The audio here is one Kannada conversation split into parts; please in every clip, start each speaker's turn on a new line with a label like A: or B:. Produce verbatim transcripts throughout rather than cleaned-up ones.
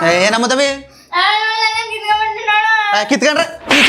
A: ಏನಮ್ಮ ತಮ್ಮಿ ಕಿತ್ಕೊಂಡ್ರೆ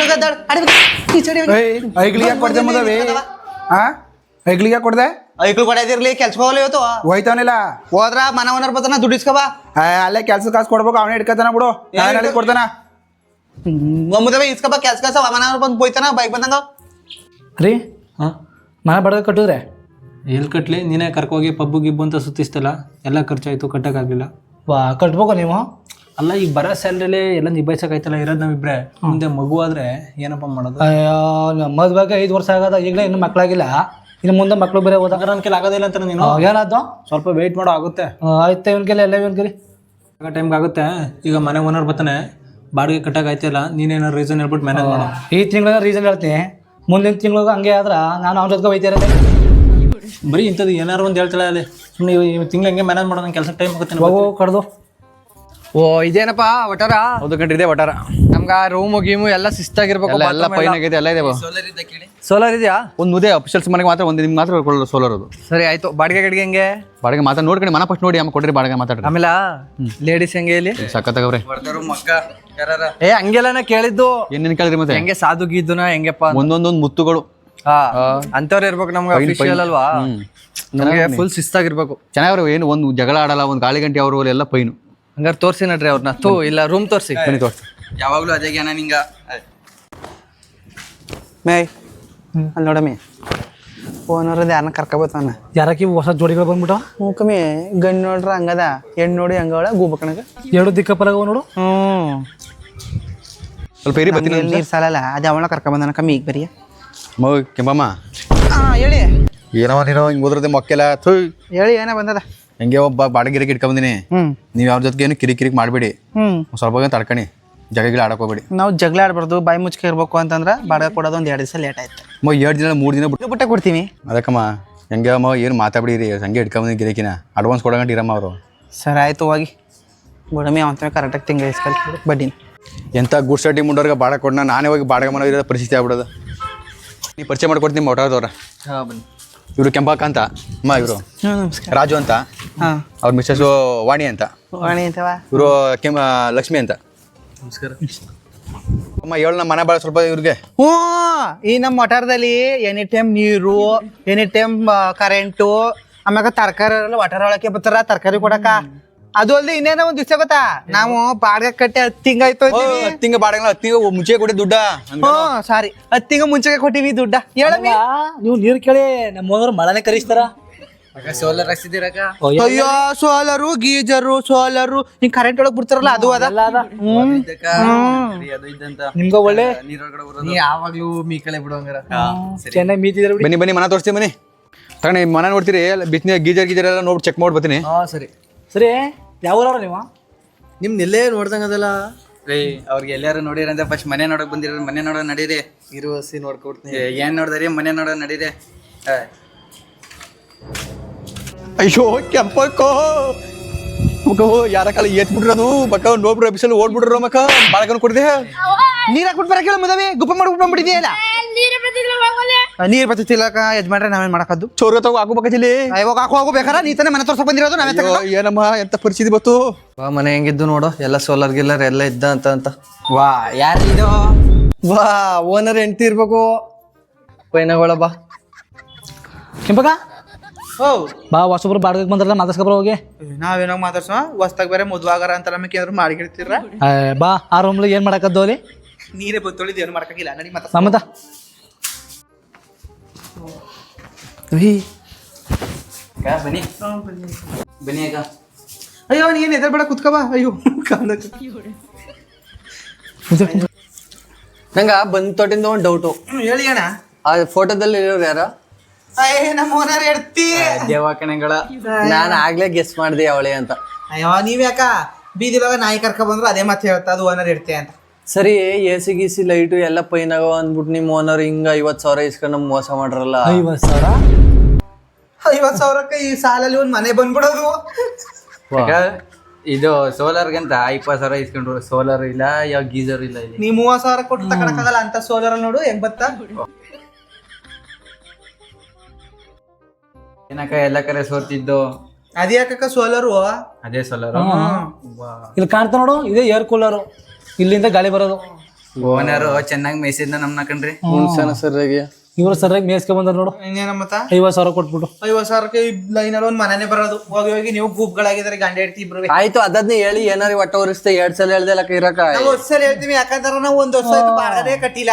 B: ಐಗ್ಲಿಗೆ ಕೊಡ್ದೆ ಮದವಿ ಹಾ ಐಗ್ಲಿಗೆ ಕೊಡ್ದೆ
A: ಐಕ್ಳು ಕೊಡದಿರ್ಲಿ ಕೆಲ್ಸಕ್ಕೆ ಹೋಗಲ್ಲ ಇವತ್ತು
B: ಹೋಯ್ತಾವನಿಲ್ಲ
A: ಹೋದ್ರ ಮನ ಓನರ್ ಬರ್ತಾನ ದುಡ್ಡು ಇಸ್ಕೊ ಬಾ
B: ಅಲ್ಲೇ ಕೆಲ್ಸ ಕಾಸು ಕೊಡ್ಬೇಕು ಅವನೇ ಹಿಡ್ಕತಾನ ಬಿಡು ನಾನು ಕೊಡ್ತಾನ
A: ಮಮ್ಮದವ ಇಸ್ಕೊ ಬಾ ಕೆಲ್ಸ ಕಾಸ ಮನ ಓನರ್ ಬಂದು ಹೋಯ್ತಾನ ಬೈಕ್ ಬಂದಂಗ
C: ರೀ ಹಾಂ ಮನೆ ಬಡ್ಗ ಕಟ್ಟಿದ್ರೆ
D: ಎಲ್ಲಿ ಕಟ್ಲಿ ನೀನೇ ಕರ್ಕೋಗಿ ಪಬ್ಬು ಗಿಬ್ಬು ಅಂತ ಸುತ್ತಿಸ್ತಲ್ಲ ಎಲ್ಲ ಖರ್ಚಾಯ್ತು ಕಟ್ಟಕ್ಕಾಗಲಿಲ್ಲ
C: ವಾ ಕಟ್ಬೇಕು ನೀವು
D: ಅಲ್ಲ ಈಗ ಬರೋ ಸ್ಯಾಲ್ರಿಲಿ ಎಲ್ಲ ನಿಭಾಯಿಸೋಕಾಯ್ತಲ್ಲ ಇರೋದು ನಾವಿಬ್ರೆ ಮುಂದೆ ಮಗು ಆದ್ರೆ ಏನಪ್ಪ ಮಾಡೋದು
C: ಅಯ್ಯೋ ಮದ್ವೆಗೆ ಐದು ವರ್ಷ ಆಗದ ಈಗಲೇ ಇನ್ನೂ ಮಕ್ಕಳಾಗಿಲ್ಲ ಇನ್ನು ಮುಂದೆ ಮಕ್ಕಳು ಬೇರೆ ಹೋದಾಗ
D: ನನ್ನ ಕೆಲ ಆಗೋದಿಲ್ಲ ಅಂತ ನೀನು
C: ಏನಾದ್ದು
D: ಸ್ವಲ್ಪ ವೆಯ್ಟ್ ಮಾಡೋ ಆಗುತ್ತೆ
C: ಆಯ್ತು ಇವನ್ ಕೆಲ ಎಲ್ಲ ಇವನ್ ಕೆಲಿ
D: ಆಗ ಟೈಮ್ಗೆ ಆಗುತ್ತೆ ಈಗ ಮನೆ ಓನರ್ ಬರ್ತಾನೆ ಬಾಡಿಗೆ ಕಟ್ಟಕ್ಕಾಯ್ತಿಲ್ಲ ನೀನೇನಾರು ರೀಸನ್ ಹೇಳ್ಬಿಟ್ಟು ಮ್ಯಾನೇಜ್ ಮಾಡೋ
C: ಈ ತಿಂಗಳ ರೀಸನ್ ಹೇಳ್ತೀನಿ ಮುಂದಿನ ತಿಂಗಳು ಹಂಗೆ ಆದ್ರ ನಾನು ಅವ್ನ ಜೊತೆಗೆ ಹೋಯ್ತಾ ಇರೋದೆ
D: ಬರೀ ಇಂಥದ್ದು ಏನಾರು ಒಂದು ಹೇಳ್ತಾಳೆ ಅಲ್ಲಿ ಸುಮ್ಮನೆ ತಿಂಗಳು ಹಂಗೆ ಮ್ಯಾನೇಜ್ ಮಾಡೋ ನಂಗೆ ಕೆಲಸ ಟೈಮ್ ಆಗುತ್ತೆ
C: ಹೋಗು ಕಡ್ದು
E: ಓ ಇದೇನಪ್ಪ ಒಟಾರ
B: ಹೌದು ಕಂಡ್ರಿದೆ ಒಟ್ಟಾರ
E: ನಮ್ಗ ರೂಮು ಗೀಮು ಎಲ್ಲ ಶಿಸ್ತಾಗಿರ್ಬೇಕು
B: ಎಲ್ಲ ಪೈನ್ ಆಗೈತೆ ಎಲ್ಲ ಇದೆ
E: ಸೋಲಾರ್ ಇದೆಯಾ
B: ಒಂದು ಮುದೆ ಅಫಿಷಿಯಲ್ಸ್ ಮನೆಗೆ ಮಾತ್ರ ಒಂದು ನಿಮ್ಗೆ ಮಾತ್ರ ಕೊಡೋದು ಸೋಲಾರ್ ಅದು
E: ಸರಿ ಆಯ್ತು ಬಾಡಿಗೆ ಗಡಿಗೆ ಹೆಂಗೆ
B: ಬಾಡಿಗೆ ಮಾತಾ ನೋಡ್ಕೊಂಡು ಮನ ಫಸ್ಟ್ ನೋಡಿ ಆಮೇಲೆ ಕೊಡ್ರಿ ಬಾಡಿಗೆ ಮಾತಾಡ್ರಿ
E: ಆಮೇಲೆ ಲೇಡೀಸ್ ಹೆಂಗೆ ಇಲ್ಲಿ
B: ಸಕ್ಕತ್ತಾಗವ್ರೆ
E: ಏ ಹಂಗೆಲ್ಲ ನಾ ಕೇಳಿದ್ದು
B: ಏನೇನು ಕೇಳಿದ್ರಿ ಮತ್ತೆ
E: ಹೆಂಗೆ ಸಾಧು ಗೀದುನ ಹೆಂಗೆಪ್ಪ
B: ಒಂದೊಂದೊಂದು ಮುತ್ತುಗಳು
E: ಹಾ ಅಂತವ್ರು ಇರ್ಬೇಕು ನಮ್ಗೆ ಅಫಿಷಿಯಲ್ ಅಲ್ವಾ ನಮ್ಗೆ ಫುಲ್ ಶಿಸ್ತಾಗಿರ್ಬೇಕು
B: ಚೆನ್ನಾಗವ್ರು ಏನು ಒಂದು ಜಗಳ ಆಡಲ್ಲ ಒಂದು ಗಾಳಿ ಗಂಟೆ ಅವರು ಎಲ್ಲ ಪೈನು
E: ಹಂಗಾರೆ ತೋರ್ಸಿ ನಡ್ರಿ ಅವ್ರನ್ನ ತೂ ಇಲ್ಲ ರೂಮ್ ತೋರ್ಸಿ
B: ಬನ್ನಿ ತೋರ್ಸಿ
E: ಯಾವಾಗ್ಲೂ ಅದೇ ಜ್ಞಾನ ನಿಂಗ
A: ಮೇ ಅಲ್ಲಿ ನೋಡಮ್ಮಿ ಓನರ್ದು ಯಾರನ್ನ ಕರ್ಕೊಬೋತಾನ
C: ಯಾರಕ್ಕಿ ಹೊಸ ಜೋಡಿಗಳು ಬಂದ್ಬಿಟ್ಟು
A: ಹ್ಞೂ ಕಮ್ಮಿ ಗಂಡು ನೋಡ್ರ ಹಂಗದ ಹೆಣ್ಣು ನೋಡಿ ಹಂಗವಳ ಗೂಬಕಣಗ
C: ಎರಡು ದಿಕ್ಕಪ್ಪಲಾಗ ನೋಡು
A: ಹ್ಞೂ
B: ಸ್ವಲ್ಪ ಏರಿ ಬರ್ತೀನಿ
A: ನೀರು ಸಾಲಲ್ಲ ಅದು ಅವಳ ಕರ್ಕೊಂಬಂದನ ಕಮ್ಮಿ ಈಗ ಬರೀ
B: ಮಗು ಕೆಂಬಮ್ಮ
A: ಹಾಂ ಹೇಳಿ
B: ಏನವ ನೀನು ಹಿಂಗೆ ಓದ್ರದೆ ಮೊಕ್ಕೆಲ್ಲ ಥೂ
A: ಹೇಳಿ ಏನೋ ಬಂದದ
B: ಹೆಂಗೆ ಒಬ್ಬ ಬಾಡಿಗೆ ಗಿರಕ್ಕೆ ಇಟ್ಕೊಂಬಂದಿನಿ
A: ಹ್ಞೂ
B: ನೀವು ಯಾರ ಜೊತೆಗೆ ಏನು ಕಿರಿ ಕಿರಿಕ್ ಮಾಡಬೇಡಿ
A: ಹ್ಞೂ
B: ಸ್ವಲ್ಪ ಹೊತ್ತು ತಡ್ಕಣಿ ಜಗಗಿಲ್ಲ ಆಡಕ್ಕೆ ಹೋಗ್ಬೇಡಿ
A: ನಾವು ಜಗಳ ಆಡ್ಬಾರ್ದು ಬಾಯಿ ಮುಚ್ಕೆ ಇರ್ಬೇಕು ಅಂತಂದ್ರೆ ಬಾಡಿಗೆ ಕೊಡೋದು ಒಂದು ಎರಡು ದಿವಸ ಲೇಟ್ ಆಯ್ತು
B: ಮ ಎರಡು ದಿನ ಮೂರು ದಿನ ಬಿಟ್ಟು
A: ಬಿಟ್ಟೆ ಕೊಡ್ತೀವಿ
B: ಅದಕ್ಕಮ್ಮ ಹೆಂಗೆ ಅಮ್ಮ ಏನು ಮಾತಾಡ್ಬಿಡಿರಿ ಹಂಗೆ ಇಟ್ಕೊಂಬಂದಿನಿ ಗಿರಕಿನ ಅಡ್ವಾನ್ಸ್ ಕೊಡೋಗಂಟ ಇರಮ್ಮ ಅವರು
A: ಸರಿ ಆಯ್ತು ಹೋಗಿ ಬಿಡಮಿ ಅವಂತ ಕರೆಕ್ಟಾಗಿ ತಿಂಗಳು ಇಸ್ಕಲ್ ಬಡ್ಡಿ
B: ಎಂಥ ಗುಡ್ ಸಟ್ಟಿ ಮುಂಡೋರ್ಗೆ ಬಾಡಿಗೆ ಕೊಡೋಣ ನಾನೇ ಹೋಗಿ ಬಾಡಿಗೆ ಮಾಡೋ ಇರೋ ಪರಿಸ್ಥಿತಿ ಆಗ್ಬಿಡೋದು ನೀವು ಪರಿಚಯ ಮಾಡ್ಕೊಡ್ತೀನಿ ಒಟ್ಟಾರದವ್ರ
E: ಹಾ ಬನ್ನಿ
B: ಇವರು ಕೆಂಪಾಕ ಅಂತ ಅಮ್ಮ ಇವರು
A: ನಮಸ್ಕಾರ
B: ರಾಜು ಅಂತ
A: ಹಾಂ
B: ಅವ್ರ ಮಿಸ್ಸಸ್ಸು ವಾಣಿ ಅಂತ
A: ವಾಣಿ ಅಂತವ
B: ಇವರು ಕೆಂಪ ಲಕ್ಷ್ಮಿ ಅಂತ
E: ನಮಸ್ಕಾರ
B: ಅಮ್ಮ ಹೇಳು ನಮ್ಮ ಮನೆ ಭಾಳ ಸ್ವಲ್ಪ ಇವ್ರಿಗೆ
A: ಹ್ಞೂ ಈ ನಮ್ಮ ವಟಾರದಲ್ಲಿ ಎನಿ ಟೈಮ್ ನೀರು ಎನಿ ಟೈಮ್ ಕರೆಂಟು ಆಮ್ಯಾಗ ತರಕಾರಿ ಎಲ್ಲ ವಟಾರ ಒಳಕ್ಕೆ ಬರ್ತಾರ ತರಕಾರಿ ಕೊಡಕ ಅದು ಅಲ್ಲದೆ ಇನ್ನೇನೋ ಒಂದು ದಿವಸ ಗೊತ್ತಾ ನಾವು ಬಾಡಿಗೆ ಕಟ್ಟಿ ಹತ್ತು ತಿಂಗಾಯ್ತು
B: ಹತ್ತು ತಿಂಗ ಬಾಡಿಗೆ ಹತ್ತು ತಿಂಗ ಮುಂಚೆ ಕೊಡಿ ದುಡ್ಡ
A: ಹ್ಞೂ ಸಾರಿ ಹತ್ತು ತಿಂಗ ಮುಂಚೆಗೆ ಕೊಟ್ಟಿವಿ ದುಡ್ಡ ಹೇಳಮ್ಮಿ
C: ನೀವು ನೀರು ಕೇಳಿ ನಮ್ಮ ಹೋದ್ರು ಮಳೆನೇ ಕರಿಸ್ತಾರ
E: ಸೋಲಾರ್ ಹಾಕ್ಸಿದ್ದೀರಕ್ಕ
A: ಅಯ್ಯೋ ಸೋಲರು ಗೀಜರು ಸೋಲರು ಹಿಂಗ್ ಕರೆಂಟ್ ಒಳಗ್ ಬಿಡ್ತಾರಲ್ಲ ಅದು ಅದ ಹ್ಮ್
E: ಅದು ಇದ್ದಂತ
C: ನಿಮ್ಗ ಒಳ್ಳೆ
E: ನೀರೊಳಗಡೆ ಬರೋದು ನೀ ಯಾವಾಗ್ಲೂ ಮೀಕಳೆ ಬಿಡುವಂಗಾರ
C: ಚೆನ್ನಾಗಿ ಮೀತಿದ್ರೆ ಬಿಡಿ
B: ಬನ್ನಿ ಬನ್ನಿ ಮನೆ ತೋರಿಸ್ತೀನಿ ಬನ್ನಿ ತಗೊಂಡು ಮನೆ ನೋಡ್ತೀರಿ ಬಿಸಿನ ಗೀಜರ್ ಗೀಜರ್ ಎಲ್ಲ ನೋಡಿ ಚೆಕ್ ಮಾಡಿ ಬರ್ತೀನಿ
E: ಹಾ ಸರಿ
C: ಸರಿ ಯಾವ ಊರವ್ರ ನೀವು
E: ನಿಮ್ ನಿಲ್ಲೇ ನೋಡ್ದಂಗದಲ್ಲ ರೀ ಅವ್ರಿಗೆ ಎಲ್ಲಾರು ನೋಡಿರಂತ ಫಸ್ಟ್ ಮನೆ ನೋಡಕ್ ಬಂದಿರ ಮನೆ ನೋಡೋ ನಡೀರಿ ಇರುವ ಸಿ ನೋಡ್ಕೊಡ್ತೀನಿ ಏನ್ ನೋಡ್ದಾರಿ ಮನೆ ನೋಡೋ ನಡೀರಿ
B: ಅಯ್ಯೋ ಕೆಂಪಕ್ಕೋ ಮಕ್ಕ ಯಾರ ಕಾಲ ಏತ್ ಬಿಡ್ರದು ಮಕ್ಕ ನೋಡ್ಬಿಡ್ರ ಬಿಸಲು ಓಡ್ಬಿಡ್ರ ಮಕ್ಕ ಬಾಳಕನ್ ಕೊಡ್ದೆ
A: ನೀರ್ ಹಾಕ್ಬಿಟ್ಟು ಬರಕ್ಕೆ ಮದವಿ ಗುಪ್ಪ ಮಾಡ್ಬಿಟ್ಟು ಬಂದ್ಬಿಟ್ಟಿದೆಯಲ್ಲ ನೀರ್ ಬತ್ತಿಲ್ಲಕ ಯಜಮಾನ್ರೆ ನಾವೇನ್ ಮಾಡಕದ್ದು
B: ಚೋರ ತಗೋ ಹಾಕೋಬೇಕಲ್ಲಿ
A: ಇವಾಗ ಹಾಕೋ ಹೋಗು ಬೇಕಾರೆ ನೀ ತಾನೇ ಮನೆ ತೋರ್ಸಕ್ ಬಂದಿರೋದು ನಾವೇ ತಗೊಂಡು
B: ಏನಮ್ಮ ಎಂತ ಪರಿಸ್ಥಿತಿ ಬತ್ತು
E: ವಾ ಮನೆ ಹೆಂಗಿದ್ದು ನೋಡು ಎಲ್ಲ ಸೋಲಾರ್ ಗಿಲ್ಲರ್ ಎಲ್ಲ ಇದ್ದ ಅಂತ ಅಂತ ವಾ ಯಾರಿದು ವಾ ಓನರ್ ಹೆಂಡ್ತಿ ಇರ್ಬೇಕು ಪೈನಗಳ ಬಾ
C: ಕೆಂಪಕ
A: ಓ
C: ಬಾ ಹೊಸಬ್ರು ಬಾಡಿಗೆ ಬಂದ್ರಲ್ಲ ಮಾತಾಡ್ಸ್ಕೊಬ್ರ ಹೋಗಿ
A: ನಾವೇನೋ ಮಾತಾಡ್ಸೋ ಹೊಸ್ತಾಗ ಬೇರೆ ಮದ್ವಾಗಾರ ಅಂತ ನಮಗೆ ಏನಾದ್ರು ಮಾಡಿರ್ತೀರ
C: ಬಾ ಆ ರೂಮ್ಲಿಗೆ ಏನ್ ಮಾಡಕದ್ದು ಅಲ್ಲಿ
A: ನೀರೇ ಬತ್ತೊಳಿದ್ ಏನು ಮಾಡಕ್ಕಾಗಿಲ್ಲ ನಡಿ ಮಾತಾಡ
C: ನಮ್ಮದ
E: ಬನ್ನಿ ಬನ್ನಿ ಅಕ್ಕ
A: ಅಯ್ಯೋ ನೀನ್ ಎದ್ರ ಬೇಡ ಕುತ್ಕೋ ಬಾ ಅಯ್ಯೋ ಕಾಲಕ್ಕೆ
E: ನಂಗ ಬಂದ್ ತೊಟ್ಟಿಂದ ಒಂದು ಡೌಟು
A: ಹೇಳಿ ಅಣ್ಣ
E: ಆ ಫೋಟೋದಲ್ಲಿ ಇರೋರು ಯಾರ
A: ಅಯ್ಯ ನಮ್ಮ ಓನರ್ ಎಡ್ತಿ
E: ದೇವಾಕಣೆಗಳ ನಾನು ಆಗ್ಲೇ ಗೆಸ್ ಮಾಡಿದೆ ಅವಳೆ ಅಂತ
A: ಅಯ್ಯೋ ನೀವ್ ಯಾಕ ಬೀದಿಲೋಗ ನಾಯಿ ಕರ್ಕ ಬಂದ್ರು ಅದೇ ಮಾತು ಹೇಳ್ತಾ ಅದು ಓನರ್ ಇಡ್ತೆ ಅಂತ
E: ಸರಿ ಎ ಸಿ ಗಿಸಿ ಲೈಟು ಎಲ್ಲ ಪೈನಾಗ ಅಂದ್ಬಿಟ್ಟು ನಿಮ್ಮ ಓನರ್ ಹಿಂಗ ಐವತ್ ಸಾವಿರ ಇಸ್ಕೊಂಡು ನಮ್ಗೆ ಮೋಸ ಮಾಡ್ರಲ್ಲ
C: ಐವತ್ ಸಾವಿರ
A: ಐವತ್ ಸಾವಿರಕ್ಕೆ ಈ ಸಾಲಲ್ಲಿ ಒಂದ್ ಮನೆ ಬಂದ್ಬಿಡೋದು
E: ಇದು ಸೋಲಾರ್ಗಂತ ಇಪ್ಪತ್ತು ಸಾವಿರ ಇಸ್ಕೊಂಡ್ರು ಸೋಲಾರ್ ಇಲ್ಲ ಯಾವ ಗೀಸರ್ ಇಲ್ಲ ಇಲ್ಲಿ
A: ನೀ ಮೂವತ್ ಸಾವಿರ ಕೊಟ್ಟು ತಗೊಳಕ್ಕಾಗಲ್ಲ ಅಂತ ಸೋಲಾರ್ ನೋಡು ಹೆಂಗ್ ಬತ್ತಾ
E: ಏನಕ್ಕ ಎಲ್ಲ ಕರೆ ಸೋರ್ತಿದ್ದು
A: ಅದೇ ಯಾಕಕ್ಕ ಸೋಲರು
B: ಅದೇ ಸೋಲಾರ್
C: ಇಲ್ಲಿ ಕಾಣ್ತಾ ನೋಡು ಇದೇ ಏರ್ ಕೂಲರು ಇಲ್ಲಿಂದ ಗಾಳಿ ಬರೋದು.
E: ಓನರು ಚೆನ್ನಾಗಿ ಮೇಯ್ಸಿದ್ನ ನಮ್ನ ಕಣ್ರಿ ಹುಣ್ಸನ ಸರಿಯಾಗಿ
C: ಇವ್ರು ಸರಿಯಾಗಿ ಮೇಯ್ಸ್ಕೊಂಡ್ ಬಂದಾರ ನೋಡು.
A: ಇನ್ನೇನ ಮತ್ತ
C: ಐವತ್ತು ಸಾವಿರ ಕೊಟ್ಬಿಟ್ಟು
A: ಐವತ್ ಸಾವಿರಕ್ಕೆ ಲೈನಲ್ಲಿ ಒಂದ್ ಮನೆನೇ ಬರೋದು. ಹೋಗಿ ಹೋಗಿ ನೀವು ಗುಂಪ್ಗಳಾಗಿದ್ದಾರೆ ಗಂಡ ಹೆಂಡ್ತಿ ಇಬ್ರು.
E: ಆಯ್ತು ಅದನ್ನೇ ಹೇಳಿ ಏನಾರು ಒಟ್ಟ ಉರಿಸ್ತೆ ಎರಡ್ ಸಲ ಹೇಳ್ದೆ ಲಕ್ಕ ಇರಕ
A: ನಾವು ವರ್ಷ ಹೇಳ್ತೀವಿ ಯಾಕಂದ್ರೆ ನಾವು ಒಂದ್ ವರ್ಷ ಆಯ್ತು ಬಾಡಗದೇ ಕಟ್ಟಿಲ್ಲ.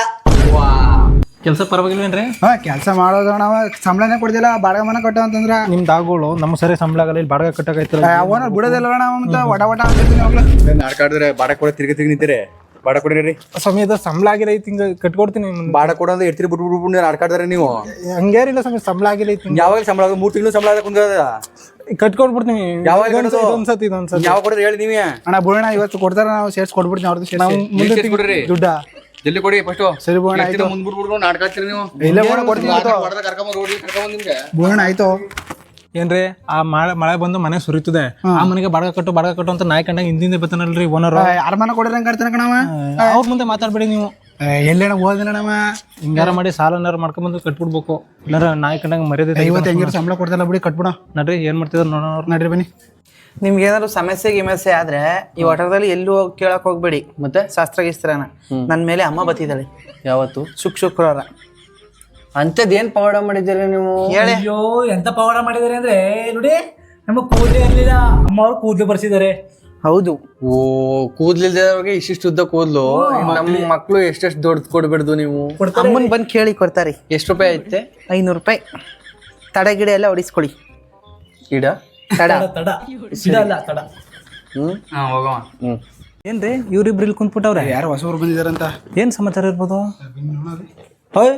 D: ಕೆಲಸ ಪರವಾಗಿಲ್ವೇನ್ರಿ?
F: ಹಾ ಕೆಲಸ ಮಾಡೋದು ನಾವು ಸಂಬಳನೇ ಕೊಡ್ದಿಲ್ಲ ಬಾಡಿಗೆ ಮನೆ ಕಟ್ಟೋ ಅಂತಂದ್ರ
D: ನಿಮ್ ದಾಗೋಳು ನಮ್ಮ ಸರಿ ಸಂಬಳ ಆಗಲ್ಲ, ಇಲ್ಲಿ ಬಾಡಿಗೆ ಕಟ್ಟಕೈತಲ್ಲ.
F: ಅವನ ಬಿಡೋದಿಲ್ಲ ನಾವು ಮತ್ತೆ ವಡ ವಡ ಅಂತಿರ್ತೀನಿ ಅವಾಗ್ಲೇ.
B: ನಾಡ್ಕಾಡಿದ್ರೆ ಬಾಡ ಕೊಡ ತಿರ್ಗಿ ತಿರ್ಗಿ ನಿಂತೀರಿ. ಬಾಡ ಕೊಡಿರಿ
D: ಸಮಯದ ಸಂಬಳ ಆಗಿಲ್ಲ ಐತಿ, ಹಿಂಗ ಕಟ್ಕೊಡ್ತೀನಿ.
B: ಬಾಡ ಕೊಡ ಅಂದ್ರೆ ಎಡ್ತಿರಿ ಬಿಟ್ಟು ಬಿಟ್ಟು ಬಿಟ್ಟು ನಾಡ್ಕಾಡ್ತಾರೆ ನೀವು.
D: ಹಂಗೇನಿಲ್ಲ ಸಮಯ ಸಂಬಳ ಆಗಿಲ್ಲ ಐತಿ,
B: ಯಾವಾಗ ಸಂಬಳ ಆಗೋದು? ಮೂರ್ ತಿಂಗಳು ಸಂಬಳ ಕುಂದ
D: ಕಟ್ಕೊಡ್ಬಿಡ್ತೀನಿ.
B: ಯಾವಾಗ
D: ಇದೊಂದ್ಸತಿ ಇದೊಂದ್ಸತಿ
B: ಯಾವ ಕೊಡ್ರಿ ಹೇಳಿ ನೀವೇ.
F: ಅಣ್ಣ ಬಿಡೋಣ ಇವತ್ತು ಕೊಡ್ತಾರ ನಾವು ಸೇರ್ಸ್ ಕೊಡ್ಬಿಡ್ತೀನಿ ಅವ್ರದ್ದು ಸೇರ್ಸಿ.
D: ಮುಂದೆ
B: ಎಷ್ಟ್ ಕೊಡ್ರಿ?
D: ದುಡ್ಡ
B: ಜಲ್ದಿ ಕೊಡಿ ಫಸ್ಟ್.
F: ಸರಿ ಬೋಣ ಆಯ್ತು.
B: ಮುಂದ್ ಬಿಟ್ಬಿಟ್ಟು ನಾಡ್ಕಾಡ್ತೀರಿ ನೀವು.
F: ಇಲ್ಲ ಬೋಣ ಕೊಡ್ತೀನಿ ಇವತ್ತು.
B: ಕರ್ಕೊಂಡ್ ರೋಡ್ ಕರ್ಕೊಂಡ್ ನಿಮ್ಗೆ
F: ಬೋಣ ಆಯ್ತು.
D: ಏನ್ರಿ ಆ ಮಳೆ ಮಳೆ ಬಂದು ಮನೆ ಸುರಿತದೆ, ಆ ಮನೆಗೆ ಬಾಡಿಗೆ ಕಟ್ಟು ಬಾಡಿಗೆ ಕಟ್ಟು ಅಂತ ನಾಯಿ ಕಂಡಾಗ ಹಿಂದಿಂದ ಬರ್ತಾನಲ್ರಿ ಓನರ್.
F: ಯಾರ ಮನೆ ಕೊಡಿರಂಗ್ ಕಾಡ್ತಾನ ಕಣವ.
D: ಅವ್ರ ಮುಂದೆ ಮಾತಾಡ್ಬೇಡಿ ನೀವು.
F: ಎಲ್ಲೇನ ಓದಿಲ್ಲ ನಮ್ಮ
D: ಹಿಂಗಾರ ಮಾಡಿ ಸಾಲನಾರ ಮಾಡ್ಕೊಂಡ್ಬಂದು ಕಟ್ಬಿಡ್ಬೇಕು, ಇಲ್ಲಾರ ನಾಯಿ ಕಂಡಾಗ ಮರ್ಯಾದೆ.
F: ಇವತ್ತು ಹೆಂಗಿರೋ ಸಂಬಳ ಕೊಡ್ತಾರ ಬಿಡಿ ಕಟ್ಬಿಡ.
D: ನಡ್ರಿ ಏನ್ ಮಾಡ್ತಿದ್ರು ನೋಡೋಣ.
F: ನಡ್ರಿ ಬನ್ನಿ.
A: ನಿಮ್ಗೆ ಏನಾದ್ರು ಸಮಸ್ಯೆ ಗಿಮಸ್ಯೆ ಆದ್ರೆ ಈ ಒಟರದಲ್ಲಿ ಎಲ್ಲೂ ಹೋಗಿ ಕೇಳಕ್ ಹೋಗ್ಬೇಡಿ.
E: ಮತ್ತೆ
A: ಶಾಸ್ತ್ರ ಗಿಸ್ತ್ರನ ನನ್ ಮೇಲೆ ಅಮ್ಮ ಬತ್ತಿದ್ದಾಳೆ
E: ಯಾವತ್ತು
A: ಶುಕ್ ಶುಕ್ರವಾರ.
E: ಅಂತದ್ ಏನ್ ಪವಾಡ ಮಾಡಿದ್ದೀರಿ ನೀವು?
A: ಹೇಳಿ.
C: ಅಯ್ಯೋ ಎಂತ ಪವಾಡ ಮಾಡಿದಾರೆ ಅಂದ್ರೆ ನೋಡಿ, ನಮ್ಮ ಕೂದಲೇ ಇರ್ಲಿಲ್ಲ, ಅಮ್ಮ ಅವ್ರು ಕೂದಲು ಬರ್ಸಿದ್ದಾರೆ.
A: ಹೌದು.
E: ಓ ಕೂದ್ಲಿಲ್ದವ್ರಿಗೆ ಇಷ್ಟಿಷ್ಟು ಉದ್ದ ಕೂದ್ಲು. ನಮ್ಮ ಮಕ್ಳು ಎಷ್ಟೆಷ್ಟು ದೊಡ್ಡ ಕೊಡ್ಬಿಡ್ದು ನೀವು.
A: ಅಮ್ಮನ್ ಬಂದ್ ಕೇಳಿ ಕೊಡ್ತಾರೆ.
E: ಎಷ್ಟು ರೂಪಾಯಿ ಐತೆ?
A: ಐನೂರು ರೂಪಾಯಿ ತಡ ಗಿಡ ಎಲ್ಲ ಹೊಡಿಸ್ಕೊಳ್ಳಿ.
E: ಇಡ
A: ತಡ
C: ತಡ ಸಿಡ ಅಲ್ಲ ತಡ.
E: ಹ್ಮ್ ಹಾ ಹೋಗವ. ಹ್ಮ್
D: ಏನ್ರಿ ಇವ್ರಿಬ್ರು ಇಲ್ಲಿ ಕುಂತ್ಬಿಟ್ಟವ್ರೆ,
F: ಯಾರು ಹೊಸಬ್ರು ಬಂದಿದಾರಂತ.
D: ಏನ್ ಸಮಾಚಾರ ಇರ್ಬೋದು?
C: ಹೋಯ್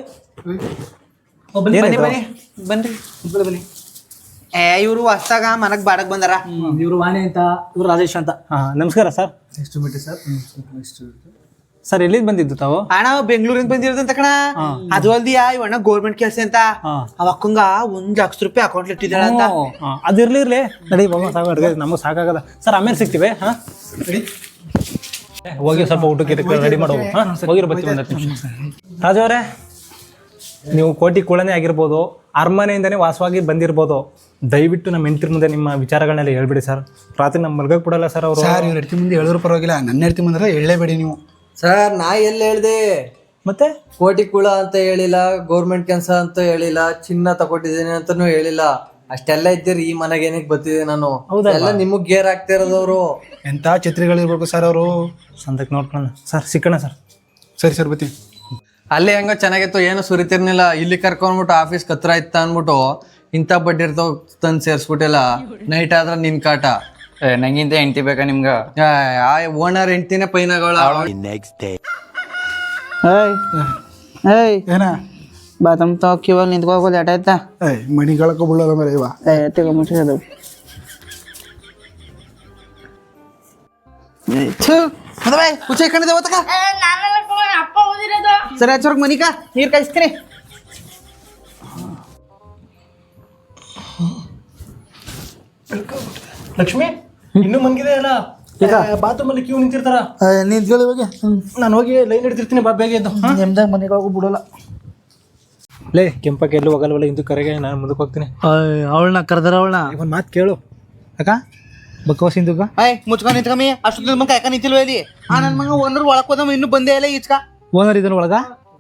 A: ಬನ್ನಿ ಬನ್ನಿ ಬನ್ರಿ ಬನ್ನಿ. ಏ ಇವ್ರು ಹೊಸ್ದಾಗ ಮನಗ್ ಬಾಡಕ್ ಬಂದಾರ.
C: ಇವ್ರು ವಾಣಿ ಅಂತ, ಇವ್ರು ರಾಜೇಶ್ ಅಂತ.
D: ಹಾ ನಮಸ್ಕಾರ ಸರ್. ಸರ್ ಎಲ್ಲಿಂದ ಬಂದಿದ್ದು ತಾವು?
A: ಅಣ್ಣ ಬೆಂಗಳೂರಿಂದ ಬಂದಿರೋದಂತ ಕಣ. ಅದು ಅಲ್ದಿಯಾ ಇವಣ್ಣ ಗೋರ್ಮೆಂಟ್ ಕೆಲಸ ಅಂತ ಅವ ಅಕ್ಕಂಗ ಒಂದ್ ಲಕ್ಷ ರೂಪಾಯಿ ಅಕೌಂಟ್ ಇಟ್ಟಿದ್ದಾಳ ಅಂತ.
D: ಅದಿರ್ಲಿ ಇರ್ಲಿ ನಡಿ ಬಾಬಾ, ಸಾಕು ಅಡ್ಗೆ ನಮಗ್ ಸಾಕಾಗದ. ಸರ್ ಆಮೇಲೆ ಸಿಗ್ತೀವಿ. ಹಾ ಹೋಗಿ ಸ್ವಲ್ಪ ಊಟಕ್ಕೆ ರೆಡಿ ಮಾಡೋ. ಹಾ ಹೋಗಿರೋ ಬರ್ತೀವಿ ಒಂದು ಹತ್ತು ನಿಮಿಷ. ರಾಜು ಅವರೇ, ನೀವು ಕೋಟಿ ಕುಳನೇ ಆಗಿರ್ಬೋದು, ಅರಮನೆಯಿಂದನೇ ವಾಸವಾಗಿ ಬಂದಿರ್ಬೋದು, ದಯವಿಟ್ಟು ನಮ್ಮ ಹೆಂಡತಿ ಮುಂದೆ ನಿಮ್ಮ ವಿಚಾರಗಳನ್ನೆಲ್ಲ ಹೇಳ್ಬಿಡಿ ಸರ್. ರಾತ್ರಿ ನಮ್ಮ ಮಲ್ಗಕ್ಕೆ ಬಿಡಲ್ಲ ಸರ್ ಅವರು.
F: ಸರ್ ಇವ್ರ ಹೆಡ್ತಿ ಮುಂದೆ ಹೇಳಿದ್ರು ಪರವಾಗಿಲ್ಲ, ನನ್ನ ಹೆಡ್ತಿ ಮುಂದೆ ಹೇಳಲೇಬೇಡಿ ನೀವು.
E: ಸರ್ ನಾ ಎಲ್ಲಿ ಹೇಳ್ದೆ?
D: ಮತ್ತೆ
E: ಕೋಟಿ ಕುಳ ಅಂತ ಹೇಳಿಲ್ಲ, ಗೌರ್ಮೆಂಟ್ ಕೆಲಸ ಅಂತ ಹೇಳಿಲ್ಲ, ಚಿನ್ನ ತಗೊಟ್ಟಿದ್ದೀನಿ ಅಂತಾನು ಹೇಳಿಲ್ಲ. ಅಷ್ಟೆಲ್ಲ ಇದ್ದೀರಿ ಈ ಮನೆಗೆ ಏನಕ್ಕೆ ಬರ್ತಿದ್ದೆ ನಾನು? ಎಲ್ಲ ನಿಮಗ್ ಗೇರ್ ಆಗ್ತಿರೋದವ್ರು.
F: ಎಂತ ಛತ್ರಿಗಳಿರ್ಬೇಕು ಸರ್ ಅವರು.
D: ಸಂದಕ್ಕೆ ನೋಡ್ಕೊಳ್ಳೋಣ ಸರ್, ಸಿಕ್ಕಣ ಸರ್.
F: ಸರಿ ಸರ್ ಬರ್ತೀನಿ.
E: ಅಲ್ಲಿ ಹೆಂಗೋ ಚೆನ್ನಾಗಿತ್ತು, ಏನು ಸುರಿತಿರ್ನಿಲ್ಲ. ಇಲ್ಲಿ ಕರ್ಕೊಂಡ್ಬಿಟ್ಟು ಆಫೀಸ್ ಕತ್ರ ಇತ್ತ ಅನ್ಬಿಟ್ಟು ಇಂಥ ಬಡ್ಡಿ ಇರ್ತಾವ ತಂದು ಸೇರ್ಸ್ಬಿಟ್ಟಿಲ್ಲ. ನೈಟ್ ಆದ್ರೆ ನಿನ್ ಕಾಟ.
G: ನಂಗಿಂತ ಹೆಂಡತಿ ಬೇಕಾ ನಿಮ್ಗ?
E: ಆ ಓನರ್ ಹೆಂಡ್ತಿನೇ ಪೈನಗಳ.
A: ಏಯ್
F: ಏನ
A: ಬಾತ್ರೂಮ್ ತಗೋಕಿವಾಗ ನಿಂತ್ಕೋಗೋದು ಎಟ ಆಯ್ತಾ?
F: ಏಯ್ ಮಣಿಗಳಕ್ಕೂ ಬೀಳಲ್ಲ ಮರ ಇವ.
A: ಏ ತಗೊಂಬಿಟ್ಟಿರೋದು ಕುಚೆ ಕಣಿದೆ ಓತಕ. ಸರಿ ಹಚ್ಚೋರ್ಗ್ ಮನಿಕ ನೀರ್ ಕಾಯಿಸ್ತೀನಿ.
D: ಲಕ್ಷ್ಮಿ ಇನ್ನೂ ಮನ್ಗಿದೆ ಅಲ್ಲ, ಬಾತ್ರೂಮ್ ಅಲ್ಲಿ ಕ್ಯೂ ನಿಂತಿರ್ತಾರ.
F: ನಿಂತ್ಕೊಳ್ಳಿ ಇವಾಗ.
D: ನಾನು ಹೋಗಿ ಲೈನ್ ಹಿಡ್ತಿರ್ತೀನಿ, ಬಾ ಬೇಗ ಇದ್ದು.
A: ನಿಮ್ದಾಗ ಮನೆಗೆ ಹೋಗು ಬಿಡೋಲ್ಲ.
D: ಲೇ ಕೆಂಪಕ್ಕೆ ಎಲ್ಲೂ ಹೋಗಲ್ವಲ್ಲ, ಇಂದು ಕರೆಗೆ ನಾನು ಮುಂದಕ್ಕೆ ಹೋಗ್ತೀನಿ.
C: ಅವಳನ್ನ ಕರೆದಾರ ಅವಳನ್ನ.
D: ಒಂದು ಮಾತು ಕೇಳು ಅಕ್ಕ, ಬಕ್ಕವಾಸ ಇಂದುಗ.
A: ಏಯ್ ಮುಚ್ಕೊಂಡ್ ನಿಂತ್ಕಮ್ಮಿ. ಅಷ್ಟೊಂದು ಮಗ ಯಾಕ ನಿಂತಿಲ್ವ ಇಲ್ಲಿ? ಆ ನನ್ ಮಗ ಒಂದ್ರ ಒಳಕ್ ಹೋದಮ್ಮ ಇನ್ನೂ ಬಂದೇ ಇಲ್ಲ ಈಚ್ಕ.
C: ಓನರ್ ಇದನ್ನ ಒಳಗ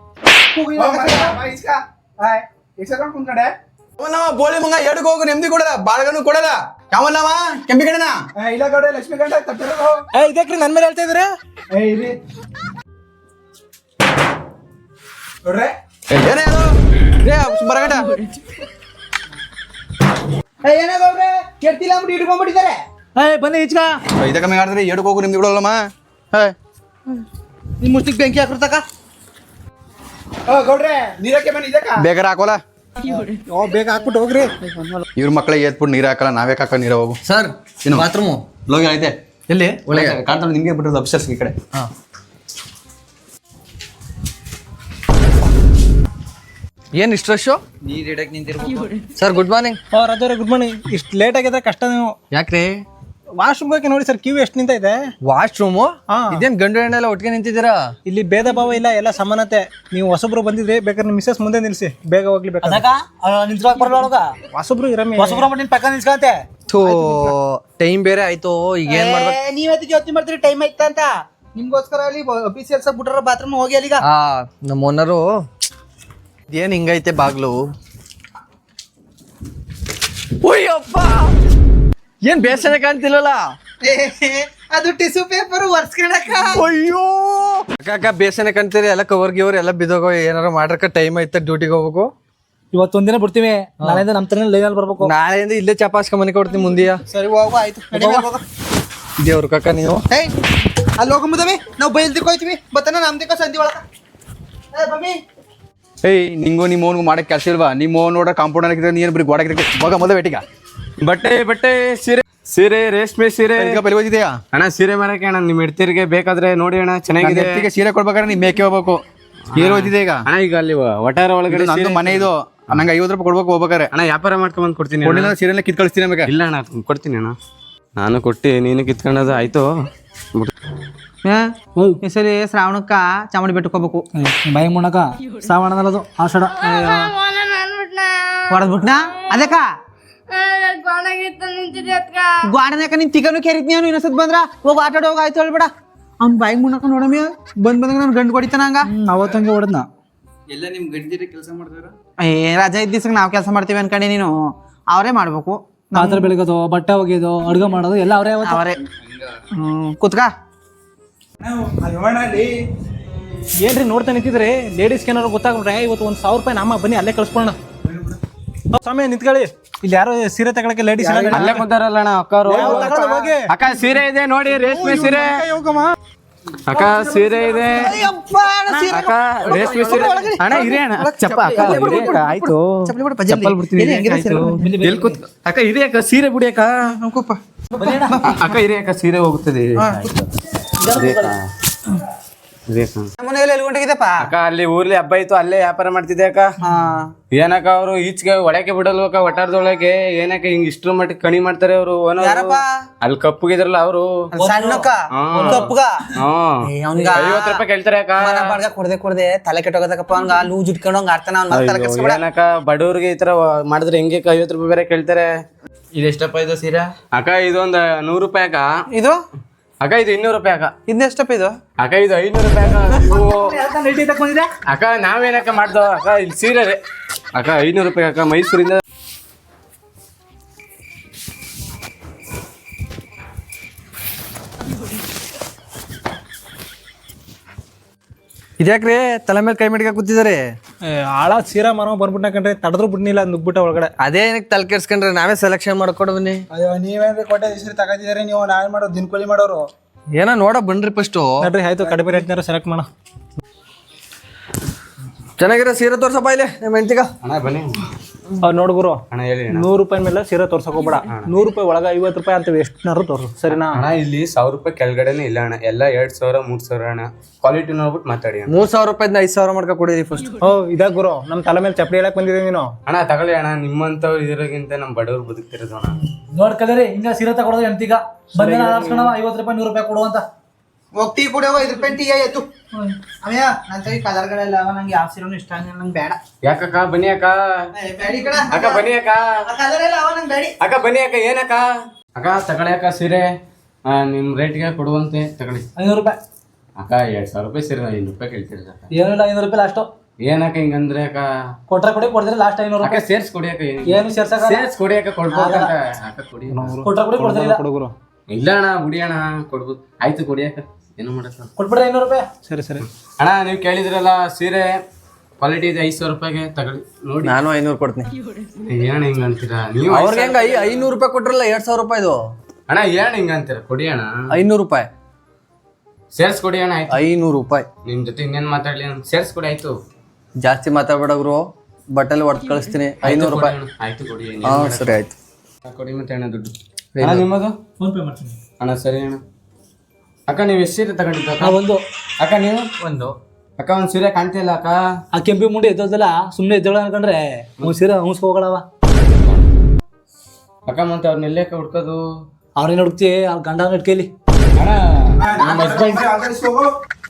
B: ಬೋಳಿ ಮಂಗ ಎಡಕ್ ಹೋಗು, ನೆಮ್ಮದಿ ಕೊಡಲ್ಲ, ಬಾಳ್ಗನು ಕೊಡಲ್ಲ. ಯಾವಲ್ಲವ ಕೆಂಪಿ ಕಡೆನ?
F: ಇಲ್ಲ ಗೌಡ ಲಕ್ಷ್ಮೀ ಗಂಡ ತಪ್ಪಿರೋದು.
D: ಏ ಇದಕ್ರಿ ನನ್ನ ಮೇಲೆ ಹೇಳ್ತಾ ಇದ್ರೆ
F: ನೋಡ್ರೆ
B: ಏನೇ ಬರಗಟ
A: ಏನಾಗವ್ರೆ ಕೆಡ್ತಿಲ್ಲ ಅಂದ್ಬಿಟ್ಟು ಇಟ್ಕೊಂಡ್ಬಿಟ್ಟಿದ್ದಾರೆ.
C: ಏಯ್ ಬನ್ನಿ ಈಚ್ಕ.
B: ಇದ ಕಮ್ಮಿ ಆಡಿದ್ರೆ ಎಡಕ್ ಹೋಗು, ನಿಮ್ದಿ ಕೊಡಲ್ಲಮ್ಮ.
A: ನಿಮ್ ಮುಷ್ಟಿಗೆ ಬೆಂಕಿ ಹಾಕಿರ್ತಕ.
F: ಗೌಡ್ರೆ ನೀರಕ್ಕೆ ಬನ್ನಿ ಇದಕ್ಕ.
B: ಬೇಕಾರ ಹಾಕೋಲ್ಲ,
D: ಬೇಗ ಹಾಕ್ಬಿಟ್ಟು ಹೋಗ್ರಿ.
B: ಇವ್ರ ಮಕ್ಳಿಗೆ ಏತ್ಬಿಟ್ಟು ನೀರ್ ಹಾಕಲ್ಲ, ನಾವೇ ಹಾಕ ನೀರ ಹೋಗು.
E: ಸರ್
B: ಏನು
E: ಬಾತ್ರೂಮು
B: ಲೋಗಿ ಐತೆ
E: ಎಲ್ಲಿ?
B: ಒಳಗೆ ಕಾಣ್ತಾನೆ ನಿಮ್ಗೆ ಬಿಟ್ಟಿರೋದು ಅಪ್ಸರ್ಸ್ ಈ ಕಡೆ.
E: ಹಾ ಏನ್ ಇಷ್ಟು ರಶು?
G: ನೀರ್ ಇಡಕ್ ನಿಂತಿರ್ಬೇಕು.
E: Sir good morning.
D: ಓ ರಾಜವ್ರೆ ಗುಡ್ ಮಾರ್ನಿಂಗ್. ಇಷ್ಟು ಲೇಟ್ ಆಗಿದ್ರೆ ಕಷ್ಟ. ನೀವು
E: ಯಾಕ್ರಿ?
D: ವಾಶ್ರೂಮ್ ಹೋಗಿ ನೋಡಿ ಸರ್, ಕ್ಯೂ ಎಷ್ಟು ನಿಂತ ಇದೆ.
E: ವಾಶ್ರೂಮು
D: ಹಾ.
E: ಇದೇನ್ ಗಂಡು ಹೆಣ್ಣೆಲ್ಲ ಒಟ್ಟಿಗೆ ನಿಂತಿದ್ದೀರಾ?
D: ಇಲ್ಲಿ ಭೇದ ಭಾವ ಇಲ್ಲ, ಎಲ್ಲ ಸಮಾನತೆ. ನೀವು ಹೊಸಬ್ರು ಬಂದಿದ್ರಿ, ಬೇಕಾದ್ರೆ ನಿಮ್ಮ ಮಿಸ್ಸಸ್ ಮುಂದೆ ನಿಲ್ಸಿ, ಬೇಗ ಹೋಗ್ಲಿ. ಬೇಕಾದ್ರೆ
C: ನಿಂತ್ಕೊಳಕ್ ಬರಲ್ಲ ಒಳಗ.
D: ಹೊಸಬ್ರು ಇರಮ್ಮಿ.
C: ಹೊಸಬ್ರ ನಿನ್ ಪಕ್ಕ ನಿಲ್ಸ್ಕಂತೆ.
E: ಥೂ ಟೈಮ್ ಬೇರೆ ಆಯ್ತು ಈಗ ಏನ್ ಮಾಡ್ಬೇಕು?
A: ನೀವ್ ಅದಕ್ಕೆ ಯೋಚನೆ ಮಾಡ್ತೀರಿ ಟೈಮ್ ಆಯ್ತಾ ಅಂತ. ನಿಮ್ಗೋಸ್ಕರ ಅಲ್ಲಿ ಅಫೀಸಿಯಲ್ಸ್ ಬಿಟ್ರ ಬಾತ್ರೂಮ್ ಹೋಗಿ ಅಲ್ಲಿಗ.
E: ಆ ನಮ್ಮ ಓನರು ಏನ್ ಹಿಂಗೈತೆ ಬಾಗ್ಲು. ಅಯ್ಯಪ್ಪ ಏನ್ ಬೇಸರ ಕಾಣ್ತಿಲ್ವಲ್ಲ.
A: ಅದು ಟಿಶ್ಯೂ ಪೇಪರ್ ಒರ್ಸ್ಕೊಳಕ.
E: ಅಯ್ಯೋ ಅಕ್ಕ ಅಕ್ಕ ಬೇಸನೆ ಕಾಣ್ತೀರಿ ಎಲ್ಲ ಕವರ್ ಗಿವರ್ ಎಲ್ಲ ಬಿದ್ದೋಗೋ. ಏನಾರ ಮಾಡ್ರಕ್ಕ ಟೈಮ್ ಆಯ್ತಾ ಡ್ಯೂಟಿಗೆ ಹೋಗ್ಬೇಕು.
C: ಇವತ್ತೊಂದಿನ ಬಿಡ್ತೀವಿ, ನಾಳೆಯಿಂದ ನಮ್ಮ ತರ ಲೈನಲ್ಲಿ ಬರ್ಬೇಕು.
E: ನಾಳೆಯಿಂದ ಇಲ್ಲೇ ಚಪಾಸ್ಕ ಮನೆ ಕೊಡ್ತೀನಿ ಮುಂದಿಯ.
A: ಸರಿ ಹೋಗು ಆಯ್ತು.
E: ದೇವ್ರ ಕಕ್ಕ ನೀವು
A: ಏಯ್ ಅಲ್ಲಿ ಹೋಗಂಬುದವಿ ನಾವು ಬೈಲ್ದಿಕ್ ಹೋಯ್ತೀವಿ ಬತ್ತನ ನಮ್ದಿಕ್ಕ ಸಂಧಿ ಒಳಗ. ಏ ಬಮ್ಮಿ
B: ಏಯ್ ನಿಂಗೂ ನಿಮ್ಮ ಓನ್ಗೂ ಮಾಡಕ್ಕೆ ಕೆಲಸ ಇಲ್ವಾ? ನಿಮ್ಮ ಓನ್ ನೋಡ್ರೆ ಕಾಂಪೌಂಡ್ ಹಾಕಿದ್ರೆ ನೀನು ಬರೀ ಗೋಡೆ ಹಾಕಿದ್ರೆ ಮಗ ಮೊದಲ ಬೇಟಿಗ
H: ಬಟ್ಟೆ ಬಟ್ಟೆ ಸೀರೆ ಸೀರೆ ರೇಷ್ಮೆ ಸೀರೆ
B: ಈಗ ಬಲಿ ಓದಿದೆಯಾ
H: ಅಣ್ಣ? ಸೀರೆ ಮಾರಕ್ಕೆ ಅಣ್ಣ ನಿಮ್ಮ ಹೆಡ್ತಿರಿಗೆ ಬೇಕಾದ್ರೆ ನೋಡಿ ಅಣ್ಣ, ಚೆನ್ನಾಗಿದೆ.
B: ಈಗ ಸೀರೆ ಕೊಡ್ಬೇಕಾದ್ರೆ ನೀ ಮೇಕೆ ಹೋಗ್ಬೇಕು. ಏನು ಓದಿದೆ ಈಗ?
H: ಅಣ್ಣ ಈಗ ಅಲ್ಲಿ ವಟಾರ ಒಳಗಡೆ
B: ನಂದು
H: ಸೀರೆ-
B: ಮನೆ ಇದು, ನಂಗೆ ಐವತ್ತು ರೂಪಾಯಿ ಕೊಡ್ಬೇಕು ಹೋಗ್ಬೇಕಾರೆ.
H: ಅಣ್ಣ ವ್ಯಾಪಾರ ಮಾಡ್ಕೊಂಡ್ ಬಂದು ಕೊಡ್ತೀನಿ ಅಣ್ಣ.
B: ಕೊಡ್ಲಿಲ್ಲ ಸೀರೆಲ್ಲ ಕಿತ್ ಕಳಿಸ್ತೀನಿ ನಮಗೆ.
H: ಇಲ್ಲ ಅಣ್ಣ ಕೊಡ್ತೀನಿ ಅಣ್ಣ, ನಾನು ಕೊಟ್ಟು ನೀನು ಕಿತ್ಕೊಂಡದು ಆಯ್ತು.
A: ಈ ಸರಿ ಶ್ರಾವಣಕ್ಕ ಚಾಮುಂಡಿ ಬೆಟ್ಟಕ್ಕೆ ಹೋಗ್ಬೇಕು.
C: ಬಾಯಿ ಮುಣಕ ಸಾವಣದಲ್ಲದು ಆಷಾಢ
A: ಹೊಡೆದ್ಬಿಟ್ನಾ ಅದಕ್ಕ ಗಾರ್ಡನ್ಯಾಕ ನಿನ್ ತಿಗನು ಕೆರಿತ್ ನೀನು ಇನ್ನೊಂದ್ಸತ್ ಬಂದ್ರ ಹೋಗಿ ಆಟ ಆಡೋಗ ಆಯ್ತು ಹೇಳ್ಬೇಡ. ಅವ್ನ್ ಬಾಯಿಗೆ ಮುನ್ನಕ ನೋಡಮ್ಮಿ ಬಂದ್ ಬಂದಾಗ ನಾನು ಗಂಡು ಹೊಡಿತಾನ ಹಂಗ.
C: ಅವತ್ತಂಗೆ ಹೊಡೆದ್ನ.
G: ಎಲ್ಲ ನಿಮ್ ಗಂಡಿರ ಕೆಲಸ ಮಾಡ್ತಾರ?
A: ಏ ರಜಾ ಇದ್ದ ದಿವ್ಸಕ್ಕೆ ನಾವ್ ಕೆಲಸ ಮಾಡ್ತೀವಿ ಅನ್ಕೊಂಡೆ ನೀನು. ಅವರೇ ಮಾಡ್ಬೇಕು.
C: ಪಾತ್ರೆ ಬೆಳಗೋದು, ಬಟ್ಟೆ ಒಗೆಯೋದು, ಅಡುಗೆ ಮಾಡೋದು ಎಲ್ಲ ಅವರೇ
A: ಅವರೇ. ಹ್ಮ್ ಕುತ್ಕ.
D: ಏನ್ರಿ ನೋಡ್ತಾ ನಿಂತಿದ್ರಿ? ಲೇಡೀಸ್ಗೆ ಏನಾರು ಗೊತ್ತಾಗ್ಬಿಟ್ರೆ ಇವತ್ತು ಒಂದು ಸಾವಿರ ರೂಪಾಯಿ ನಮ್ಮ ಬನ್ನಿ ಅಲ್ಲೇ ಕಳ್ಸ್ಕೊಳ್ಳೋಣ. ಸಮಯ ನಿಂತ್ಕೊಳ್ಳಿ. ಇಲ್ಲಿ ಯಾರೋ ಸೀರೆ ತಗೊಳಕ್ಕೆ ಲೇಡೀಸ್
H: ಅಲ್ಲೇ ಕುಂತಾರಲ್ಲ ಅಣ್ಣ ಅಕ್ಕರು. ಅಕ್ಕ ಸೀರೆ ಇದೆ ನೋಡಿ, ರೇಷ್ಮೆ ಸೀರೆ. ಅಕ್ಕ ಸೀರೆ ಇದೆ ಅಕ್ಕ, ರೇಷ್ಮೆ ಸೀರೆ. ಅಣ್ಣ ಇರಿ ಅಣ್ಣ ಚಪ್ಪ ಅಕ್ಕ ಇರಿ ಅಕ್ಕ, ಆಯ್ತು ಚಪ್ಪಲ್ ಬಿಡ್ತೀನಿ. ಎಲ್ಲಿ ಕೂತ್ ಅಕ್ಕ ಇರಿ ಅಕ್ಕ, ಸೀರೆ ಬಿಡಿ ಅಕ್ಕ. ಅಕ್ಕ ಇರಿ ಅಕ್ಕ, ಸೀರೆ ಹೋಗುತ್ತದೆ.
A: ಮನೆಯಲ್ಲಿ ಎಲ್ಲಿ ಹೊಂಟೋಗಿದ್ದಪ್ಪ?
H: ಅಕ್ಕ ಅಲ್ಲಿ ಊರ್ಲಿ ಹಬ್ಬ ಇತ್ತು, ಅಲ್ಲೇ ವ್ಯಾಪಾರ ಮಾಡ್ತಿದ್ದೆ ಅಕ್ಕ. ಏನಕ್ಕ ಅವರು ಈಚೆಗೆ ಒಳಕ್ಕೆ ಬಿಡಲ್ವಕ್ಕ ವಟಾರದೊಳಗೆ? ಏನಕ್ಕ ಹಿಂಗ್ ಇಷ್ಟ್ರ ಮಟ್ಟಿಗೆ ಕಣಿ ಮಾಡ್ತಾರೆ ಅವರು. ಅಲ್ಲಿ ಕಪ್ಪುಗಿದ್ರಲ್ಲ ಅವರು
A: ಸಣ್ಣಕ್ಕ ಕಪ್ಪಗ
H: ಐವತ್ತು ರೂಪಾಯಿ ಕೇಳ್ತಾರೆ ಅಕ್ಕ.
A: ಬಾಡ್ಗ ಕೊಡದೆ ಕೊಡದೆ ತಲೆ ಕೆಟ್ಟೋಗದಕ್ಕಪ್ಪ. ಹಂಗ ಲೂಜ್ ಇಟ್ಕೊಂಡು ಹಂಗ ಆಡ್ತಾನ ಅವ್ನ ತಲೆ ಕೆಡ್ಸ್ಕೊಬೇಡ.
H: ಏನಕ್ಕ ಬಡವ್ರಿಗೆ ಈ ತರ ಮಾಡಿದ್ರೆ ಹೆಂಗೆ ಐವತ್ತು ರೂಪಾಯಿ ಬೇರೆ ಕೇಳ್ತಾರೆ.
G: ಇದೆಷ್ಟಪ್ಪ ಇದು ಸೀರೆ?
H: ಅಕ್ಕ ಇದೊಂದ್ ನೂರು ರೂಪಾಯಿ ಅಕ್ಕ.
A: ಇದು
H: ಅಕ್ಕ ಇದು ಇನ್ನೂರು ರೂಪಾಯಿ ಅಕ್ಕ.
A: ಇದೆಷ್ಟಪ್ಪ ಇದು?
H: ಅಕ್ಕ ಇದು ಐನೂರು ರೂಪಾಯಿ ಅಕ್ಕ. ಇವು ಅಕ್ಕ ನಾವೇನಕ್ಕ ಮಾಡ್ದೋ ಅಕ್ಕ, ಇಲ್ಲಿ ಸೀರೆ ರೀ ಅಕ್ಕ ಐನೂರು ರೂಪಾಯಿ ಅಕ್ಕ, ಮೈಸೂರಿಂದ.
E: ಇದ್ಯಾಕ್ರಿ ತಲೆ ಮೇಲೆ ಕೈ ಮಿಡ್ಕ ಕೂತಿದ್ದಾರೆ?
D: ಆಳ ಸೀರಾ ಮರ ಬಂದ್ಬಿಟ್ಟ ಕಂಡ್ರೆ ತಡೆದ್ರು ಬಿಡ್ನಿಲ್ಲ ನುಗ್ಬಿಟ್ಟ ಒಳಗಡೆ.
E: ಅದೇ ಏನಕ್ಕೆ ತಲೆ ಕೆಡ್ಸ್ಕೊಂಡ್ರೆ ನಾವೇ ಸೆಲೆಕ್ಷನ್ ಮಾಡ್ಕೊಡು ಬನ್ನಿ.
F: ಅಯ್ಯೋ ನೀವೇನ್ರಿ ಕೊಟ್ಟೆ ಹೆಸರು ತಗೋತಿದಾರೆ ನೀವು, ನಾವೇ ಮಾಡೋದು ದಿನಕೂಲಿ ಮಾಡೋರು.
E: ಏನೋ ನೋಡ ಬನ್ರಿ ಫಸ್ಟ್.
D: ನೋಡ್ರಿ ಆಯ್ತು, ಕಡಿಮೆ ರೇಟ್ನಾರ ಸೆಲೆಕ್ಟ್ ಮಾಡ.
E: ಚೆನ್ನಾಗಿರೋ ಸೀರೆ ತೋರ್ಸಪ್ಪ ಇಲ್ಲಿ ನಿಮ್ಮ ಹೆಂಡ್ತಿಗ.
H: ಅಣ್ಣ ಬನ್ನಿ.
D: ಅವ್ರು ನೋಡ್ಗುರು,
H: ಅಣ್ಣ ಹೇಳಿ ಅಣ್ಣ.
D: ನೂರು ರೂಪಾಯಿ ಮೇಲೆ ಸೀರೆ ತೋರ್ಸಕ್ ಹೋಗ್ಬೇಡ. ನೂರು ರೂಪಾಯಿ ಒಳಗ ಐವತ್ತು ರೂಪಾಯಿ ಅಂತ ಎಷ್ಟನಾರು ತೋರ್ಸು, ಸರಿನಾ?
H: ಅಣ್ಣ ಇಲ್ಲಿ ಸಾವಿರ ರೂಪಾಯಿ ಕೆಳಗಡೆನೆ ಇಲ್ಲ ಅಣ್ಣ, ಎಲ್ಲ ಎರಡ್ ಸಾವಿರ ಮೂರ್ ಸಾವಿರ ಅಣ್ಣ. ಕ್ವಾಲಿಟಿ ನೋಡ್ಬಿಟ್ಟು ಮಾತಾಡಿ ಅಣ್ಣ.
E: ಮೂರ್ ಸಾವಿರ ರೂಪಾಯಿಂದ ಐದ್ ಸಾವಿರ ಮಾಡ್ಕೊ ಕೊಡಿರಿ ಫಸ್ಟ್.
D: ಓ ಇದಾಗ ಗುರು, ನಮ್ ತಲೆ ಮೇಲೆ ಚಪ್ಪಡಿ ಹೇಳಕ್ ಬಂದಿದೆ ನೀನು.
H: ಅಣ್ಣ ತಗೊಳ್ಳಿ ಅಣ್ಣ, ನಿಮ್ಮಂತವ್ರು ಇದ್ರಾಗಿಂತ ನಮ್ ಬಡವ್ರು ಬದುಕ್ತಿರೋದು ಅಣ್ಣ.
C: ನೋಡ್ಕಲ್ರಿ ಹಿಂಗ ಸೀರೆ ತಗೊಳೋದು ಎಂತೀಗ ಬಂದ ಆರಿಸ್ಕೊಂಡವ ಐವತ್ತು ರೂಪಾಯಿ ನೂರು ರೂಪಾಯಿ ಕೊಡುವಂತ
A: ಹೋಗ್ತಿ ಕುಡಿಯವ ಐದು ರೂಪಾಯಿ ಟೀ ಆಯ್ತು. ಅಯ್ಯ ನನ್ನ ಕೈ ಕಲರ್ಗಳೆಲ್ಲ ಅವ, ನಂಗೆ ಯಾವ ಸೀರೆನೂ ಇಷ್ಟ ಆಗಿಲ್ಲ, ನಂಗೆ ಬೇಡ.
H: ಯಾಕಕ್ಕ ಬನ್ನಿ ಅಕ್ಕ.
A: ಬೇಡಿ ಕಣ
H: ಅಕ್ಕ ಬನ್ನಿ ಅಕ್ಕ.
A: ಕಲರ್ ಎಲ್ಲ ಅವ, ನಂಗೆ ಬೇಡಿ.
H: ಅಕ್ಕ ಬನ್ನಿ ಅಕ್ಕ. ಏನಕ್ಕ ಅಕ್ಕ ತಗೊಳ್ಳಿ ಅಕ್ಕ ಸೀರೆ, ಆ, ನಿಮ್ ರೇಟ್ಗೆ ಕೊಡುವಂತೆ ತಗೊಳ್ಳಿ.
C: ಐನೂರು ರೂಪಾಯಿ
H: ಅಕ್ಕ ಎರಡ್ ಸಾವಿರ ರೂಪಾಯಿ ಸೀರೆ ಐನೂರು ರೂಪಾಯಿ ಕೇಳ್ತೀರಿ ಅಕ್ಕ.
C: ಏನಿಲ್ಲ, ಐನೂರು ರೂಪಾಯಿ ಲಾಸ್ಟು.
H: ಏನಕ್ಕ ಹಿಂಗಂದ್ರೆ ಅಕ್ಕ?
C: ಕೊಟ್ರೆ ಕೊಡಿ, ಕೊಡ್ತಾರೆ ಲಾಸ್ಟ್ ಐನೂರು
H: ಅಕ್ಕ
C: ರೂಪಾಯಿ.
H: ಸೇರ್ಸ್ ಕೊಡಿ ಅಕ್ಕ.
C: ಏನು ಸೇರ್ಸಕ?
H: ಸೇರ್ಸ್ ಕೊಡಿ ಅಕ್ಕ, ಕೊಡ್ಬೋದು ಅಕ್ಕ. ಅಕ್ಕ ಕೊಡಿ.
C: ಕೊಟ್ರೆ ಕೊಡಿ, ಕೊಡ್ತಿಲ್ಲ.
D: ಹುಡುಗರು
H: ಇಲ್ಲ ಅಣ್ಣ ಬಿಡಿ ಅಣ್ಣ, ಕೊಡ್ಬೋದು. ಆಯ್ತು ಕೊಡಿ ಅಕ್ಕ, ಏನು ಮಾಡಕ್ಕ.
C: ಕೊಟ್ಬಿಡ್ರಿ ಐನೂರು ರೂಪಾಯಿ.
D: ಸರಿ ಸರಿ
H: ಅಣ್ಣ ನೀವು ಕೇಳಿದ್ರಲ್ಲ ಸೀರೆ ಕ್ವಾಲಿಟಿ ಇದೆ, ಐದು ಸಾವಿರ ರೂಪಾಯಿಗೆ ತಗೊಳ್ಳಿ ನೋಡಿ.
E: ನಾನು ಐನೂರು ಕೊಡ್ತೀನಿ.
H: ಏನ್ ಹಿಂಗ ಅಂತೀರಾ ನೀವು?
E: ಅವ್ರಿಗೆ ಹೆಂಗ ಐನೂರು ರೂಪಾಯಿ ಕೊಟ್ರಲ್ಲ ಎರಡ್ ಸಾವಿರ ರೂಪಾಯಿದು.
H: ಅಣ್ಣ ಏನ್ ಹಿಂಗ ಅಂತೀರಾ? ಕೊಡಿ ಅಣ್ಣ,
E: ಐನೂರು ರೂಪಾಯಿ
H: ಸೇರ್ಸ್ ಕೊಡಿ ಅಣ್ಣ. ಆಯ್ತು
E: ಐನೂರು ರೂಪಾಯಿ.
H: ನಿಮ್ ಜೊತೆ ಇನ್ನೇನ್ ಮಾತಾಡ್ಲಿ, ಸೇರ್ಸ್ ಕೊಡಿ. ಆಯ್ತು
E: ಜಾಸ್ತಿ ಮಾತಾಡ್ಬೇಡವ್ರು, ಬಟ್ಟೆಲ್ಲ ಹೊಡೆದು ಕಳಿಸ್ತೀನಿ. ಐನೂರು ರೂಪಾಯಿ.
H: ಆಯ್ತು ಕೊಡಿ.
E: ಹಾ ಸರಿ ಆಯ್ತು.
H: ಕೊಡಿ ಮತ್ತೆ ಅಣ್ಣ ದುಡ್ಡು. ಅಣ್ಣ ನಿಮ್ಮದು
C: ಫೋನ್ ಪೇ ಮಾಡ್ತೀನಿ
H: ಅಣ್ಣ. ಸರಿ ಅಣ್ಣ. ಅಕ್ಕ ನೀವು ಎಷ್ಟು ಸೀರೆ ತಗೊಂಡಿದ್ದ ಅಕ್ಕ?
C: ಒಂದು.
H: ಅಕ್ಕ ನೀವು ಒಂದು. ಅಕ್ಕ ಒಂದ್ ಸೀರೆ ಕಾಣ್ತಿಲ್ಲ ಅಕ್ಕ.
C: ಆ ಕೆಂಪಿ ಮುಂಡಿ ಎದ್ದೋದಲ್ಲ, ಸುಮ್ಮನೆ ಎದ್ದೋಳ ಅನ್ಕೊಂಡ್ರೆ ಒಂದ್ ಸೀರೆ ಹಂಸ್ಕೊ ಹೋಗಳವ.
H: ಅಕ್ಕ ಮತ್ತೆ ಅವ್ರನ್ನ ಎಲ್ಲಕ್ಕ ಹುಡ್ಕೋದು?
C: ಅವ್ರೇನು ಹುಡುಕ್ತಿ, ಅವ್ರ ಗಂಡ ಇಟ್ಕೇಲಿ.
H: ಅಣ್ಣ ನಮ್ಮ ಹಸ್ಬೆಂಡ್